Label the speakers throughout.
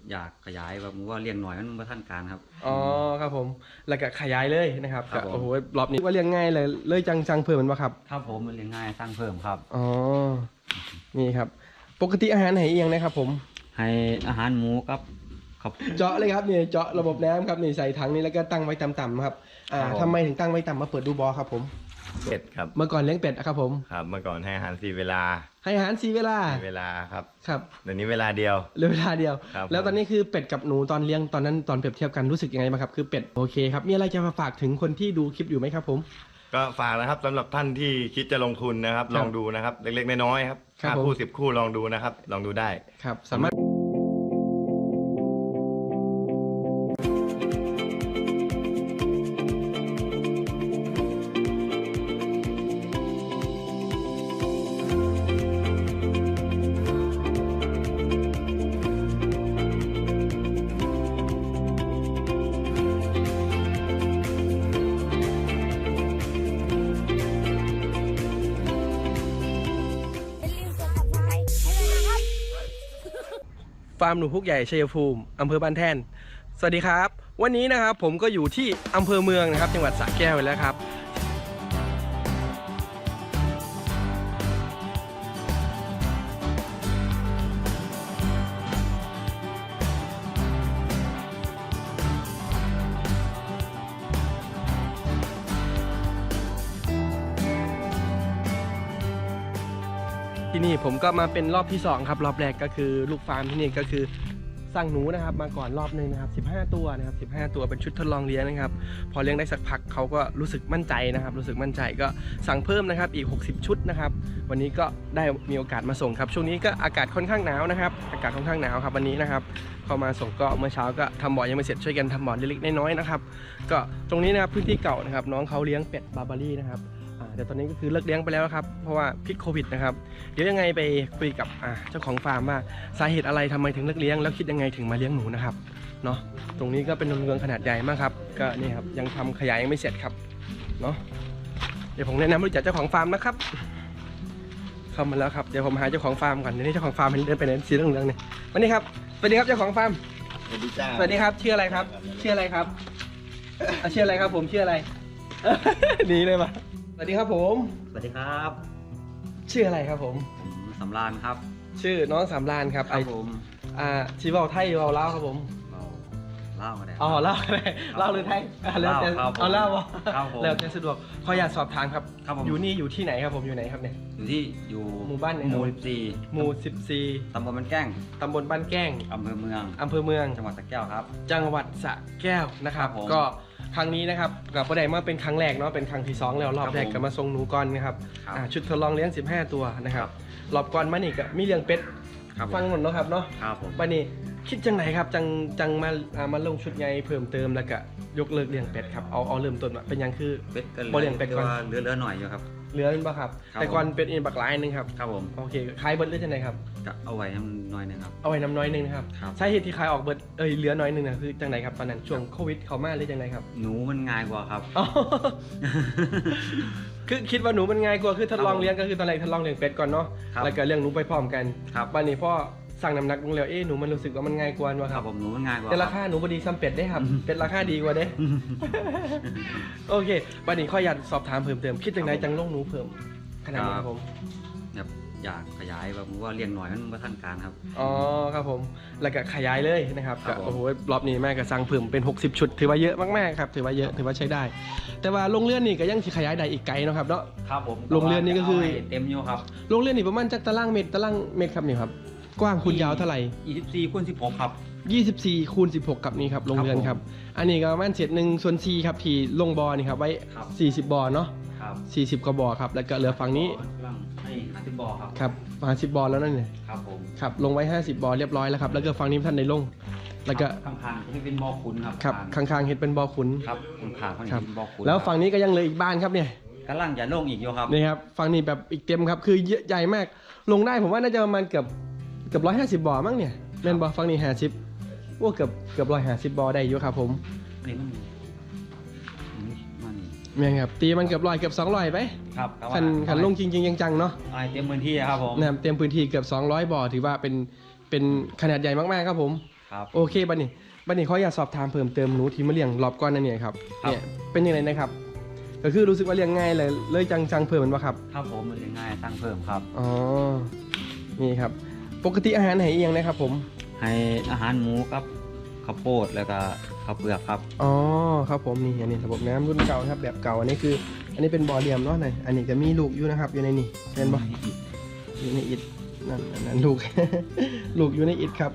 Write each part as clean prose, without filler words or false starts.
Speaker 1: อยากขยายแบบว่าเลี้ยงหน่อยมันมาท่านการครับ
Speaker 2: อ๋อครับผมแล้วก็ขยายเลยนะครับ
Speaker 1: ครับผม
Speaker 2: โอ้โหรอบนี้ว่าเลี้ยงง่ายเลยจังเพิ่มมันปะครับ
Speaker 1: ครับผมมันเลี้ยงง่ายสร้างเพิ่มครับ
Speaker 2: อ๋อนี่ครับปกติอาหารไหนเอียงนะครับผม
Speaker 1: ให้อาหารหมูครับ
Speaker 2: เจาะเลยครับนี่เจาะระบบน้ำครับนี่ใส่ถังนี้แล้วก็ตั้งไว้ต่ำๆครับทำไมถึงตั้งไว้ต่ำมาเปิดดูบอครับผม
Speaker 3: เป็ดครับ
Speaker 2: เมื่อก่อนเลี้ยงเป็ดครับผม
Speaker 3: ครับเมื่อก่อนให้อาหาร4 เวลา
Speaker 2: ให้อาหาร4 เวลา
Speaker 3: ครับ
Speaker 2: ครับ
Speaker 3: เดี๋ยวนี้เวลาเดียว
Speaker 2: เหลือเวลาเดียว
Speaker 3: ครับ
Speaker 2: แล้วตอนนี้คือเป็ดกับหนูตอนเลี้ยงตอนนั้นตอนเปรียบเทียบกันรู้สึกยังไงบ้างครับคือเป็ดโอเคครับมีอะไรจะมาฝากถึงคนที่ดูคลิปอยู่ไหมครับผม
Speaker 3: ก็ฝากนะครับสำหรับท่านที่คิดจะลงทุนนะครับลองดูนะครับเล็กๆน้อยๆครับ5 คู่ 10 คู่ลองดูนะครับลองดูได้
Speaker 2: ครับสามารถฟาร์มหนูพุกใหญ่ชัยภูมิอำเภอบ้านแท่นสวัสดีครับวันนี้นะครับผมก็อยู่ที่อำเภอเมืองนะครับจังหวัดสระแก้วแล้วครับที่นี่ผมก็มาเป็นรอบที่2ครับรอบแรกก็คือลูกฟาร์มที่นี่ก็คือสั่งหนูนะครับมาก่อนรอบนึงนะครับ15 ตัวนะครับ15 ตัวเป็นชุดทดลองเลี้ยงนะครับพอเลี้ยงได้สักพักเขาก็รู้สึกมั่นใจนะครับรู้สึกมั่นใจก็สั่งเพิ่มนะครับอีก60 ชุดนะครับวันนี้ก็ได้มีโอกาสมาส่งครับช่วงนี้ก็อากาศค่อนข้างหนาวนะครับอากาศค่อนข้างหนาวครับวันนี้นะครับเข้ามาส่งก็เมื่อเช้าก็ทำบ่อยังไม่เสร็จช่วยกันทำบ่อเล็กๆน้อยๆนะครับก็ตรงนี้นะครับพื้นที่เก่านะครับน้องเขาเลี้ยงเป็ดบาร์บารี่นะครับแต่ตอนนี้ก็คือเลิกเลี้ยงไปแล้วครับเพราะว่าพิษโควิดนะครับเดี๋ยวยังไงไปคุยกับเจ้าของฟาร์มว่าสาเหตุอะไรทำไมถึงเลิกเลี้ยงแล้วคิดยังไงถึงมาเลี้ยงหนูนะครับเนาะตรงนี้ก็เป็นโรงเรือนขนาดใหญ่มากครับก็นี่ครับยังทำขยายยังไม่เสร็จครับเนาะเดี๋ยวผมแนะนำรู้จักเจ้าของฟาร์มนะครับเข้ามาแล้วครับเดี๋ยวผมหาเจ้าของฟาร์มก่อนเดี๋ยวนี้เจ้าของฟาร์มเห็นเดินไปไหนสีเหลืองๆเนี่ยวันนี้ครับสวัสดีครับเจ้าของฟาร์ม
Speaker 3: สวัสดีจ้า
Speaker 2: สวัสดีครับชื่ออะไรครับชื่ออะไรครับชื่ออะไรครับผมชื่ออะไรหนีเลยปะสวัสดีครับผม
Speaker 1: สวัสดีครับ
Speaker 2: ชื่ออะไรครับผม
Speaker 1: สำราญครับ
Speaker 2: ชื่อน้องสำราญครับ
Speaker 1: ครับผม
Speaker 2: ชีวาไทยเวาเล่าครับผม
Speaker 1: เล่ามาได้
Speaker 2: อ๋อเล่าอะไรเล่าหรือไทยแล้วแต่เอาเล่าวะแล้วแต่สะดวกขออยากสอบถามครับอยู่นี่อยู่ที่ไหนครับผมอยู่ไหนครับเนี่ย
Speaker 1: อยู่
Speaker 2: หมู่บ้านไหน
Speaker 1: หมู่
Speaker 2: 14
Speaker 1: ตำบลบ้านแก้ง
Speaker 2: ตำบลบ้านแก้ง
Speaker 1: อำเภอเมืองจังหวัดสระแก้วครับ
Speaker 2: จังหวัดสระแก้วนะครับก็ครั้งนี้นะครับกับประเดี๋ยวมาเป็นครั้งแรกเนาะเป็นครั้งที่2แล้วรอบแรกก็มาส่งหนูก่อนนะครับชุดทดลองเลี้ยง15 ตัวนะครับรอบก่อนมานี่ก็มีเลี้ยงเป็ดฟังหมดเนาะครับเนาะวันนี้คิดจังไหนครับจังมาลงชุดใหญ่เพิ่มเติมแล้วก็ยกเลิกเลี้ยงเป็ดครับเอาเริ่มต้นเป็นยังคือ
Speaker 1: เป็ดก็เลี้ยงเป็ดก่อนเหลือหน่อยอยู่ครับ
Speaker 2: เหลือเป็นปะครับแต่ก่อนเป็ดบักหลายนึงครับ
Speaker 1: ครับผม
Speaker 2: โอเคขายเบิร์ดหรือจังไหนครับ
Speaker 1: เอาไว้น้ำน้อยนึงครับ
Speaker 2: เอาไว้น้ำน้อยนึงนะครับใช่เหตุที่ขายออกเบิร์ดเหลือน้อยนึงนะคือจังไหนครับตอนนั้นช่วงโควิดเข้ามาหรือจังไหนครับ
Speaker 1: หนูมันง่ายกว่าครับ
Speaker 2: คือคิดว่าหนูมันง่ายกว่าคือทดลองเลี้ยงก็คือตอนแรกทดลองเลี้ยงเป็ดก่อนเนาะแล้วก็เลี้ยงหนูไปพร้อมกันวันนี้พ่อสั่งน้ำหนักลงแล้วหนูมันรู้สึกว่ามันง่ายกว่า
Speaker 1: ครับผมหนูมันง่ายกว่า
Speaker 2: แต่ราคาหนูพอดีซ้ำเป็ดได้ครับเป็ดราคาดีกว่าเด้โอเควันนี้ข้ออยากสอบถามเพิ่มเติมคิดยังไงจังลงหนูเพิ่มขนาดนี้ครับผม
Speaker 1: อยากขยายแบบว่าเลี้ยงหน่อยมันมาท่านการครับ
Speaker 2: อ๋อครับผมแล้วก็ขยายเลยนะครับโอ้โหรอบนี้แม่ก็สั่งเพิ่มเป็น60 ชุดถือว่าเยอะมากๆครับถือว่าเยอะถือว่าใช้ได้แต่ว่าโรงเรือนนี่ก็ยังขยายได้อีกไกลนะครับเนาะ
Speaker 1: ครับผม
Speaker 2: โรงเรือนนี่ก็คือ
Speaker 1: เต็มอยู่ครับ
Speaker 2: โรงเรือนนี่ประมาณจักตารางเมตรครับนี่ครับกว้างคูณยาวเท่าไหร่
Speaker 1: 24 คูณ 16ครับ
Speaker 2: 24 คูณ 16กับนี่ครับโรงเรือนครับอันนี้ก็ประมาณ1/4ครับที่ลงบ่อนี่ครับไว้40 บ่อเนาะ40 กว่าบ่อครับแล้วก็เหลือฝั่งนี้
Speaker 1: 50 บ่อ
Speaker 2: ครับ50 บ่อแล้วนั่นเนี่ย
Speaker 1: ครับผม
Speaker 2: ครับลงไว้50 บ่อเรียบร้อยแล้วครับแล้วก็ฝั่งนี้ท่านได้ลงแล้วก็
Speaker 1: ข้างๆที่เป็นบ่อขุน
Speaker 2: ครับข้างๆเห็นเป็นบ่อขุน
Speaker 1: ครับข้างๆเขาเป็นบ่อขุน
Speaker 2: แล้วฝั่งนี้ก็ยังเหลืออีกบ้านครับเนี่ย
Speaker 1: กำลังจะลงอีกอยู่ครับ
Speaker 2: นี่ครับฝั่งนี้แบบอีกเต็มครับคือใหญ่มากลงได้ผมว่าน่าจะประมาณเกือบ150 บ่อมั้งเนี่ยเล่นบ่อฝั่งนี้50ว่าเกือบ150 บ่อได้อยู่ครับผม
Speaker 1: นี่มัน
Speaker 2: เนี่ยครับตีมันเกือบ100เกือบ200ไป
Speaker 1: ครับ
Speaker 2: ขันลงจริงๆจังๆเนาะ
Speaker 1: เต็มพื้นที่ครับผม
Speaker 2: เต็มพื้นที่เกือบ200 บ่อถือว่าเป็นขนาดใหญ่มากๆครับผม
Speaker 1: ครับ
Speaker 2: โอเคบัดนี้เขาอยากสอบถามเพิ่มเติมหนูที่มาเลี้ยงรอบก่อนนั่นเนี่ยครับ
Speaker 1: ครับ
Speaker 2: เนี่ยเป็นยังไงนะครับก็คือรู้สึกว่าเลี้ยงง่ายเลยจังเพิ่มมันวะครับ
Speaker 1: ครับผมมันง่ายตั้งเพิ่มครับ
Speaker 2: อ๋อนี่ครับปกติอาหารไหนเอียงนะครับผม
Speaker 1: ให้อาหารหมูครับข้าวโพดแล้วก็ข้าวเปลือกครับ
Speaker 2: อ๋อครับผมนี่อันนี้ระบบน้ำรุ่นเก่านะครับแบบเก่าอันนี้คือ อันนี้เป็นบ่อเหลี่ยมเนาะไหนอันนี้จะมีลูกอยู่นะครับอยู่ในนี่เห็นบ่อยู่ในอิฐนั่นลูก ลูกอยู่ในอิฐครับ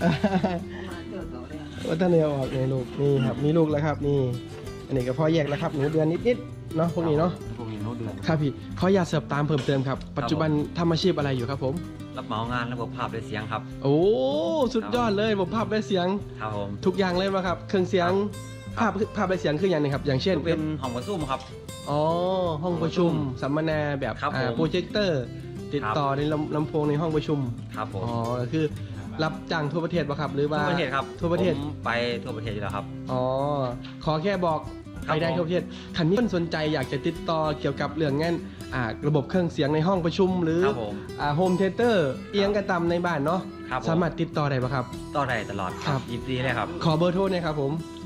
Speaker 2: ว่าท่านเอาออกในลูกนี่ครับมีลูกแล้วครับนี่อันนี้ก็พอแยกแล้วครับหนูเดือนนิดๆเนาะพวกนี้เนาะ
Speaker 1: พวกนี้โน้ตเดือน
Speaker 2: ครับพี่เขาอยากเสิร์ฟตามเพิ่มเติมครับปัจจุบันทำอาชีพอะไรอยู่ครับผม
Speaker 1: รับเหมางานระบบภาพและเสียงครับ
Speaker 2: โอ้สุดยอดเลยผมภาพและเสียง
Speaker 1: ครับผม
Speaker 2: ทุกอย่างเลยมาครับเครื่องเสียง
Speaker 1: ครับ
Speaker 2: ภาพและเสียงคืออย่างหนึงครับอย่างเช่น
Speaker 1: เป็นห้องประชุมครับ
Speaker 2: อ๋อห้องประชุมสัมมนาแบบ
Speaker 1: ครับผม
Speaker 2: โปรเจคเตอร์ติดต่อในลำโพงในห้องประชุม
Speaker 1: ครับผม
Speaker 2: อ๋อก็คือรับจ้างทั่วประเทศป่ะครับหรือว่า
Speaker 1: ทั่วประเทศครับ
Speaker 2: ทั่วประเทศ
Speaker 1: ผมไปทั่วประเทศอยู่แล้วครับ
Speaker 2: อ๋อขอแค่บอก
Speaker 1: ครับ
Speaker 2: ไปได้
Speaker 1: ผม
Speaker 2: ทั่วประเทศคันนี้คนสนใจอยากจะติดต่อเกี่ยวกับเรื่องงานระบบเครื่องเสียงในห้องประชุมหรือ
Speaker 1: ครับผม
Speaker 2: โฮมเทเตอร์เอียงกระตำในบ้านเนาะ
Speaker 1: ครับผม
Speaker 2: สามารถติดต่อได้ป่ะครับ
Speaker 1: ต่อได้ตลอด
Speaker 2: ครับ
Speaker 1: 24เลยครับ
Speaker 2: ขอเบอร์โทรหน่อยครับผม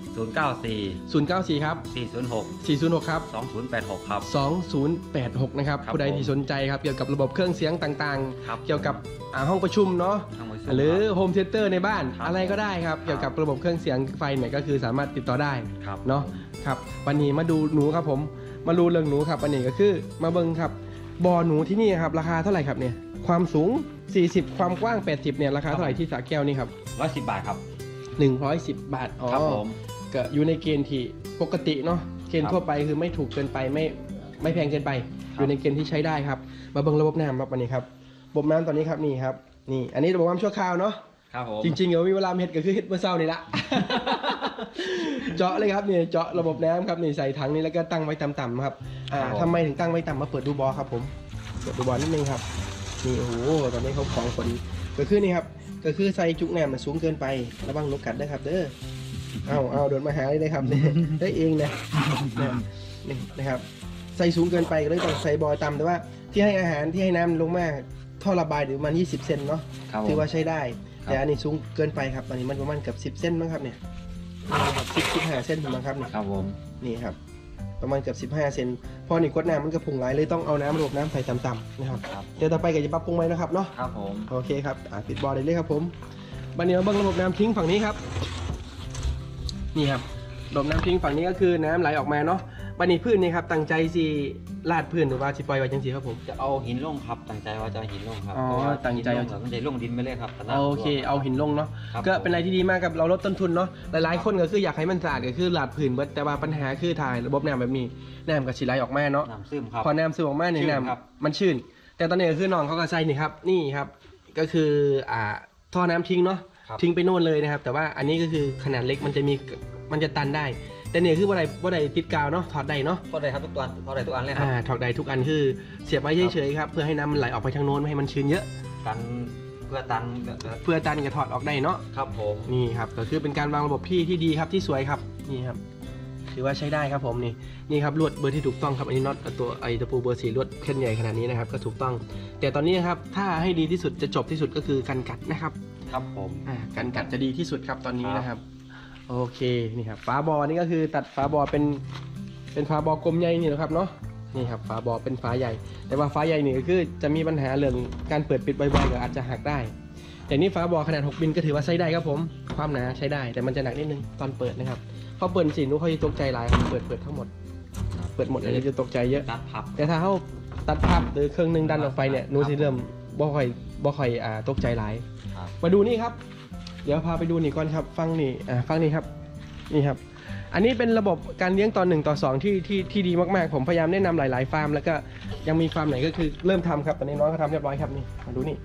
Speaker 1: 094
Speaker 2: 094 ครับ
Speaker 1: 406
Speaker 2: 406 ครับ
Speaker 1: 2086 ครับ
Speaker 2: 2086 นะครับ
Speaker 1: ครับ
Speaker 2: ผู้ใด
Speaker 1: ผม
Speaker 2: ที่สนใจครับเกี่ยวกับระบบเครื่องเสียงต่าง
Speaker 1: ครับ
Speaker 2: ๆ เกี่ยวกับห้องประชุมเนาะ
Speaker 1: ทางประชุม
Speaker 2: หรือ
Speaker 1: คบ
Speaker 2: โฮมเทเตอร์ในบ้าน
Speaker 1: ครับ
Speaker 2: อะไรก็ได้ครับเกี่ยวกับระบบเครื่องเสียงไฟเนี่ยก็คือสามารถติดต่อได้
Speaker 1: ครับ
Speaker 2: เนาะครับวันนี้มาดูหนูครับผมมาดูเรื่องหนูครับวันนี้ก็คือมาเบิ่งครับบ่อหนูที่นี่ครับราคาเท่าไหร่ครับเนี่ยความสูง 40 ความกว้าง 80เนี่ยราคาเท่าไหร่ที่สระแก้วนี่ครับ
Speaker 1: 110 บาทครับ
Speaker 2: 110 บาทอ๋อ
Speaker 1: ครับผม
Speaker 2: ก็อยู่ในเกณฑ์ที่ปกติเนาะเกณฑ์ทั่วไปคือไม่ถูกเกินไปไม่แพงเกินไป อยู่ในเกณฑ์ที่ใช้ได้ครับมาเบิ่งระบบน้ำครับวันนี้ครับระบบน้ำตอนนี้ครับนี่ครับนี่อันนี้ระบบน้ำชั่วคราวเนาะ
Speaker 1: ครับผม
Speaker 2: จริงๆเดี๋ยวมีเวลาเฮ็ดก็คือเฮ็ดเมื่อเช้านี่ละ เจาะเลยครับนี่เจาะระบบน้ำครับนี่ใส่ถังนี้แล้วก็ตั้งไว้ต่ำๆครับทำไมถึงตั้งไว้ต่ำมาเปิดดูบอครับผมเปิดดูบอนิดนึงครับนี่โอ้โหตอนนี้เขาของคนก็คือนี่ครับก็คือใส่จุกน้ำมันสูงเกินไประวังนกกัดด้วยครับเด้อเอาโดนมาหาเลยครับเนี่ยได้เองนะนี่นะครับใส่สูงเกินไปก็เลยต้องใส่บอต่ำแต่ว่าที่ให้อาหารที่ให้น้ำลงมาท่อระบายหรือประมาณ20 เซนเนาะ
Speaker 1: ครับผม
Speaker 2: ถือว่าใช้ได้
Speaker 1: ครับ
Speaker 2: แต่อันนี้สูงเกินไปครับตอนนี้มันประมาณเกือบ10 เส้นมั้งครับเนี่ย15 เส้นถูกไหมครับเนี่ย
Speaker 1: ครับผม
Speaker 2: นี่ครับประมาณเกือบ15 เซนพอนี่กดน้ำมันก็พุ่งไหลเลยต้องเอาน้ำระบบน้ำใส่ต่ำๆนะครับ
Speaker 1: ครับ
Speaker 2: เดี๋ยวต่อไปก็จะปรับปรุงไหมนะครับเนาะ
Speaker 1: ครับผม
Speaker 2: โอเคครับปิดบอลได้เลยครับผมบันนี้มาเบิ่งระบบน้ำทิ้งฝั่งนี้ครับนี่ครับระบบน้ำทิ้งฝั่งนี้ก็คือน้ำไหลออกมาเนาะบันนี้พื้นนี่ครับตั้งใจสิลาดพื้นหรือว่าสิปล่อยไว้จังสีครับผม
Speaker 1: จะเอาหินลงครับตั้งใจว่าจะเอาหินลงครับ
Speaker 2: อ๋อ
Speaker 1: เพราะว่า
Speaker 2: ตั้งใจ
Speaker 1: หินลงมันจะลงดินไปเลยครับแต่น้ำ
Speaker 2: โอเคเอาหินลงเนาะ
Speaker 1: ครับ
Speaker 2: ก็เป็นอะไรที่ดีมากกับเราลดต้นทุนเนาะหลายๆคนก็คืออยากให้มันสะอาดก็คือลาดพื้นเบิดแต่ว่าปัญหาคือถ่ายระบบน้ำแบบนี้น้ำกับฉีไหลออกมาเนาะ
Speaker 1: น้ำซึมครับ
Speaker 2: พอน้ำซึมออกมาเนี่ย
Speaker 1: ชื้น
Speaker 2: น้
Speaker 1: ครับ
Speaker 2: ำมันชื้นแต่ตอนนี้ก็คือน้องเขาก็ใส่นี่ครับนี่ครับก็คือท่อน้ำทิ้งเนาะ
Speaker 1: ครับ
Speaker 2: ทิ้งไปโน่นเลยนะครับแต่ว่าอันนี้ก็คือขนาดเล็กมันจะตันได้ แต่เนี่ยคือว่าใดติดกาวเนาะถอดได้เนาะ
Speaker 1: พอได้ครับทุกตัวพอได้ทุกอันเลยครับ
Speaker 2: ถอดได้ทุกอันคือเสียบไว้เฉยๆครับเพื่อให้น้ำมันไหลออกไปทางโน้นไม่ให้มันชื้นเยอะ
Speaker 1: กันเพื่อตัน
Speaker 2: เพื่อตันกับถอดออกได้เนาะ
Speaker 1: ครับผม
Speaker 2: นี่ครับก็คือเป็นการวางระบบที่ดีครับที่สวยครับนี่ครับถือว่าใช้ได้ครับผมนี่ครับลวดเบอร์ที่ถูกต้องครับอันนี้น็อตตัวตะปูเบอร์4ลวดเส้นใหญ่ขนาดนี้นะครับก็ถูกต้อง แต่ตอนนี้นะครับถ้าให้ดีที่สุดจะจบที่สุดก็คือกันกัดนะครับ
Speaker 1: ครับผม
Speaker 2: กันกัดจะดีที่สุดครับตอนนี้
Speaker 1: ครับ
Speaker 2: นะครับโอเคนี่ครับฝาบอนี่ก็คือตัดฝาบอเป็นฝาบอกลมใหญ่นี่นะครับเนาะนี่ครับฝาบอเป็นฝาใหญ่ แต่ว่าฝาใหญ่นี่ก็คือจะมีปัญหาเรื่องการเปิดปิดบ่อยๆก็อาจจะหักได้ แต่นี่ฝาบอขนาด6มิลก็ถือว่าใช้ได้ครับผมความหนาใช้ได้แต่มันจะหนักนิดนึงตอนเปิดนะครับพอเปิดสินุเขาจะตกใจหลายเปิดทั้งหมดเปิดหมดเลยจะตกใจเยอะ
Speaker 1: ตัดพับ
Speaker 2: แต่ถ้าเขาตัดพับหรือเครื่องนึงดันออกไปเนี่ยนูสิเริ่มบ่ค่อยตกใจหลาย
Speaker 1: ครับ
Speaker 2: มาดูนี่ครับเดี๋ยวพาไปดูนี่ก่อนครับฟังนี่ฟังนี่ครับนี่ครับอันนี้เป็นระบบการเลี้ยงต่อ1ต่อ2ที่ดีมากๆผมพยายามแนะนำหลายๆฟาร์มแล้วก็ยังมีฟาร์มไหนก็คือเริ่มทำครับตอนนี้น้องเขาทำเรียบร้อยครับนี่มาดูนี่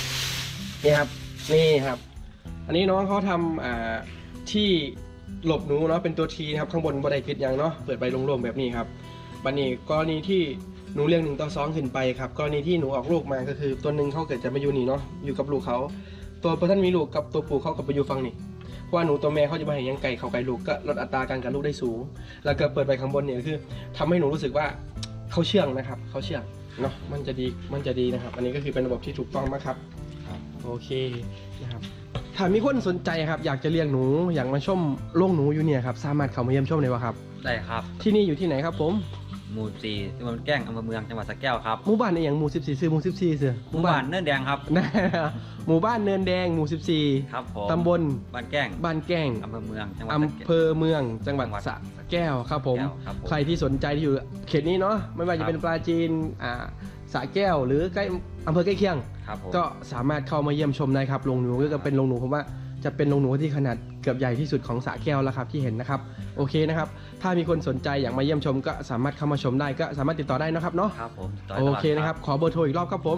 Speaker 2: นี่ครับอันนี้น้องเขาทำที่หลบหนูเนาะเป็นตัวทีนะครับข้างบนบันไดปิดอย่างเนาะเปิดใบโล่งๆแบบนี้ครับบันนี้กรณีที่หนูเลี้ยง1ต่อ2ขึ้นไปครับกรณีที่หนูออกลูกมาก็คือตัวหนึ่งเขาเกิดจะมาอยู่นี่เนาะอยู่กับลูกเขาตัวท่านมีลูกกับตัวปู่เขากับไปอยู่ฝั่งนี่เพราะว่าหนูตัวแม่เขาจะมาเห็นยังไก่เขาไก่ลูกก็ลดอัตราการกันลูกได้สูง แล้วก็เปิดไปข้างบนเนี่ยคือทำให้หนูรู้สึกว่าเขาเชื่องนะครับเขาเชื่องเนาะมันจะดีนะครับ อันนี้ก็คือเป็นระบบที่ถูกต้องมากครับโอเคนะครับถ้ามีคนสนใจครับอยากจะเลี้ยงหนูอยากมาชมโรงหนูอยู่เนี่ยครับสามารถเข้ามาเยี่ยมชมได้วะครับ
Speaker 1: ได้ครับ
Speaker 2: ที่นี่อยู่ที่ไหนครับผม
Speaker 1: หมู่4ตำบลแก้งอำเภอเมืองจังหวัดสระแก้วครับ
Speaker 2: หมู่บ้านในอย่างหมู่14ซื้อหมู่14เสือ
Speaker 1: หมู่บ้านเนินแดงครับ
Speaker 2: นะหมู่บ้านเนินแดงหมู่
Speaker 1: ครับผม
Speaker 2: 14ตำบล
Speaker 1: บ้านแก้ง
Speaker 2: บ้านแก้ง
Speaker 1: อำเภอเมืองจังหวัดสระ
Speaker 2: อำ
Speaker 1: แก้ว
Speaker 2: เภอเมืองจังหวัดสระแก้วครับผม
Speaker 1: ครับผม
Speaker 2: ใครที่สนใจที่อยู่เขตนี้เนาะไม่ว่าจะเป็นปราจีนสระแก้วหรือใกล้อำเภอใกล้เคียง
Speaker 1: ครับผม
Speaker 2: ก็สามารถเข้ามาเยี่ยมชมได้ครับโรงหนูก็เป็นโรงหนูผมว่าจะเป็นโรงหนูที่ขนาดเกือบใหญ่ที่สุดของสระแก้วแล้วครับที่เห็นนะครับโอเคนะครับถ้ามีคนสนใจอยากมาเยี่ยมชมก็สามารถเข้ามาชมได้ก็สามารถติดต่อได้นะครับเนาะ
Speaker 1: ครับผม
Speaker 2: โอเคนะครับขอเบอร์โทรอีกรอบครับผม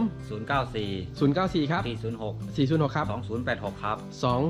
Speaker 1: 094
Speaker 2: 094 ครับ
Speaker 1: 406
Speaker 2: 406 ครับ
Speaker 1: 2086ครับ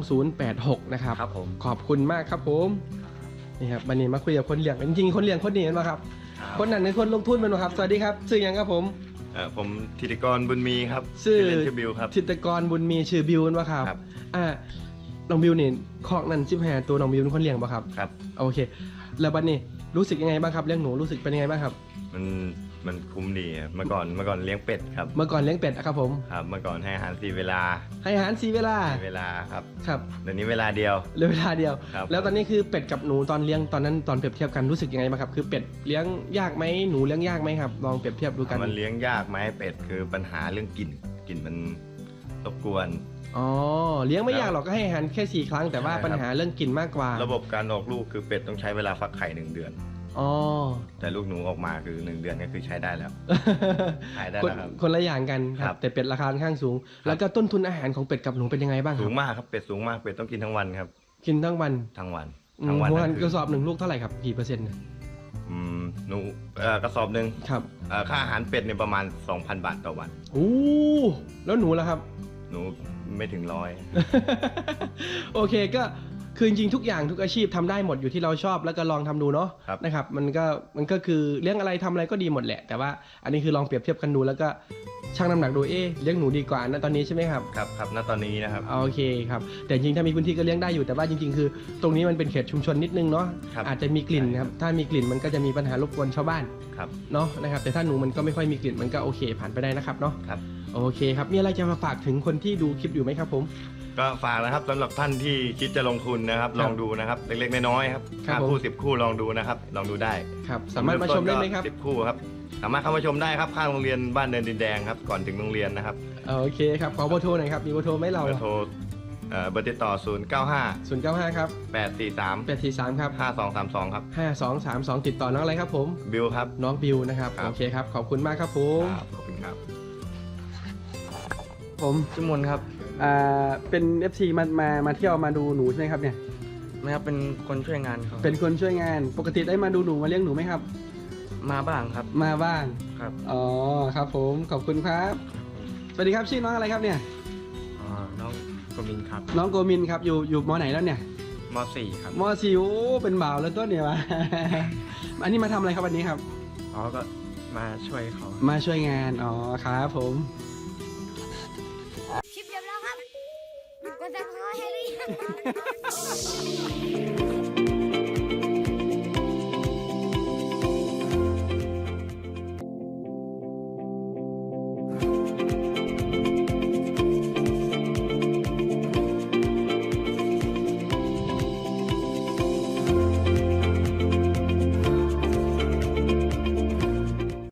Speaker 2: 2086 นะครับ
Speaker 1: ครับผม
Speaker 2: ขอบคุณมากครับผมนี่ครับวันนี้มาคุยกับคนเลี้ยงจริงๆคนเลี้ยงคนนี้เห็นไหมครับคนนั้นคือคนลงทุนมันครับสวัสดีครับชื่อยังครับผม
Speaker 3: ผมธิติกรบุญมีครับ
Speaker 2: ชื่อ
Speaker 3: เล่นชื่อบิวครับ
Speaker 2: ธิตกรบุญมีชื่อบิวนะครั
Speaker 3: ครับ
Speaker 2: น้องบิวนี่คอกนั่น15ตัวน้องบิวเป็นคนเลี้ยงป่ะครับ
Speaker 3: ครับ
Speaker 2: โอเค แล้วบัดนี้รู้สึกยังไงบ้างครับเลี้ยงหนูรู้สึกเป็นยังไงบ้างครับ
Speaker 3: มันคุ้มดีครับเมื่อก่อนเลี้ยงเป็ดครับ
Speaker 2: เมื่อก่อนเลี้ยงเป็ดนะครับผม
Speaker 3: ครับ เมื่อก่อนให้อาหาร4 เวลา
Speaker 2: ให้อาหาร4 เวลา
Speaker 3: 4 เวลาครับ
Speaker 2: ครับ
Speaker 3: เดี๋ยวนี้เวลาเดียว
Speaker 2: เหลือเวลาเดียว
Speaker 3: ครับ
Speaker 2: แล้วตอนนี้คือเป็ดกับหนูตอนเลี้ยงตอนนั้นตอนเปรียบเทียบกันรู้สึกยังไงบ้างครับคือเป็ดเลี้ยงยากไหมหนูเลี้ยงยากไหมครับลองเปรียบเทียบดูกัน
Speaker 3: มันเลี้ยงยากไหมเป็ดคือปัญหาเรื่องกลิ่นมันรบกวน
Speaker 2: อ๋อเลี้ยงไม่ยากหรอกก็ให้อาหารแค่4 ครั้งแต่ว่า
Speaker 3: ใช่ครับ
Speaker 2: ปัญหาเรื่องกลิ่นมากกว่า
Speaker 3: ระบบการออกลูกคือเป็ดต้องใช้เวลาฟักไข่1 เดือน
Speaker 2: อ๋อ
Speaker 3: แต่ลูกหนูออกมาคือ1 เดือนก็คือใช้ได้แล้ว ขายได้
Speaker 2: คน
Speaker 3: แล้วครับ
Speaker 2: คนละอย่างกันค
Speaker 3: ครั
Speaker 2: รับบ แต่เป็ดราคาค่อนข้างสูง แล้วก็ต้นทุนอาหารของเป็ดกับหนูเป็นยังไงบ้างค
Speaker 3: สู
Speaker 2: รับ
Speaker 3: งมากครับเป็ดสูงมากเป็ดต้องกินทั้งวันครับ
Speaker 2: กินทั้งวัน
Speaker 3: ทั้งวัน
Speaker 2: หัว
Speaker 3: ทั้ง
Speaker 2: กระสอบหนึ่งลูกเท่าไหร่ครับกี่เปอร์เซ็นต์เนี่ย
Speaker 3: หนูกระสอบหนึ่ง
Speaker 2: ครับ
Speaker 3: ค่าอาหารเป็ดเนี่ยประมาณ 2,000 บาทต่อวัน
Speaker 2: โอ้แล้วหนูล่ะครับ
Speaker 3: หนูไม่ถึง100
Speaker 2: โอเคก็คือจริงๆทุกอย่างทุกอาชีพทำได้หมดอยู่ที่เราชอบแล้วก็ลองทำดูเนาะ
Speaker 3: ครับ
Speaker 2: นะครับมันก็คือเลี้ยงอะไรทำอะไรก็ดีหมดแหละ แต่ว่าอันนี้คือลองเปรียบเทียบกันดูแล้วก็ชั่งน้ำหนักดูเลี้ยงหนูดีกว่านะตอนนี้ใช่ไหมครับ
Speaker 3: ครับณตอนนี้นะครับ
Speaker 2: โอเคครับแต่จริงๆถ้ามีพื้นที่ก็เลี้ยงได้อยู่แต่ว่าจริงๆคือตรงนี้มันเป็นเขตชุมชนนิดนึงเนาะ
Speaker 3: ครับ
Speaker 2: อาจจะมีกลิ่นนะครับถ้ามีกลิ่นมันก็จะมีปัญหารบกวนชาวบ้าน
Speaker 3: ครับ
Speaker 2: เนาะนะครับแต่ถ้าหนูมันก็ไม่ค่อยมีกลิ่นมันก็โอเคผ่านไปได้นะครับเนาะ
Speaker 3: ครับ
Speaker 2: โอเคครับมีอะไรจะมาฝากถึงคนที่ดูคลิปอยู่ไหมครับผม
Speaker 3: ก็ฝากนะครับสำหรับท่านที่คิดจะลงทุนนะครับ ลองดูนะครับเล็กๆน้อยๆครับ
Speaker 2: ครับ
Speaker 3: 5 คู่
Speaker 2: ผม
Speaker 3: 10 คู่ลองดูนะครับลองดูได้
Speaker 2: ครับสามารถมาชมได้ไหมครับ
Speaker 3: 10 คู่ครับสามารถเข้ามาชมได้ครับข้างโรงเรียนบ้านเนินดินแดงครับก่อนถึงโรงเรียนนะครับ
Speaker 2: โอเคครับขอเบอร์โทรหน่อยครับมีเบอร์โทรไหมเรา
Speaker 3: เบอร์โทรเบอร์ติดต่อ
Speaker 2: 095 ครับ
Speaker 3: 095 843
Speaker 2: 843 ครับ
Speaker 3: 5232 ครับ
Speaker 2: 5232 ติดต่อน้องอะไรครับผม
Speaker 3: บิลครับ
Speaker 2: น้องบิวนะครับ
Speaker 3: ครับ
Speaker 2: โอเคครับขอบคุณมากครับผม
Speaker 3: ครับขอบคุณครับ
Speaker 2: ผม
Speaker 4: ชื่อมนครับ
Speaker 2: เป็น FC มาเที่ยวมาดูหนูใช่ไหมครับเนี่ย
Speaker 4: นะครับ เป็นคนช่วยงานเขา
Speaker 2: เป็นคนช่วยงานปกติได้มาดูหนูมาเลี้ยงหนูไหมครับ
Speaker 4: มาบ้างครับ
Speaker 2: มาบ้าง
Speaker 4: ครับ
Speaker 2: อ๋อครับผมขอบคุณครับสวัสดีครับชื่อน้องอะไรครับเนี่ย
Speaker 4: น้องกมินครับ
Speaker 2: น้องโกมินครับอยู่มไหนแล้วเนี่ย
Speaker 4: ม .4 ครับ
Speaker 2: มสี่โอ้เป็นบ่าวแล้วต้นเนี่ยวะ อันนี้มาทำอะไรครับวันนี้ครับ
Speaker 4: อ๋อ ก็มาช่วยเขา
Speaker 2: มาช่วยงานอ๋อครับผม
Speaker 5: คลิปจบแล้วครับกดซับสไครต์ให้หรือยัง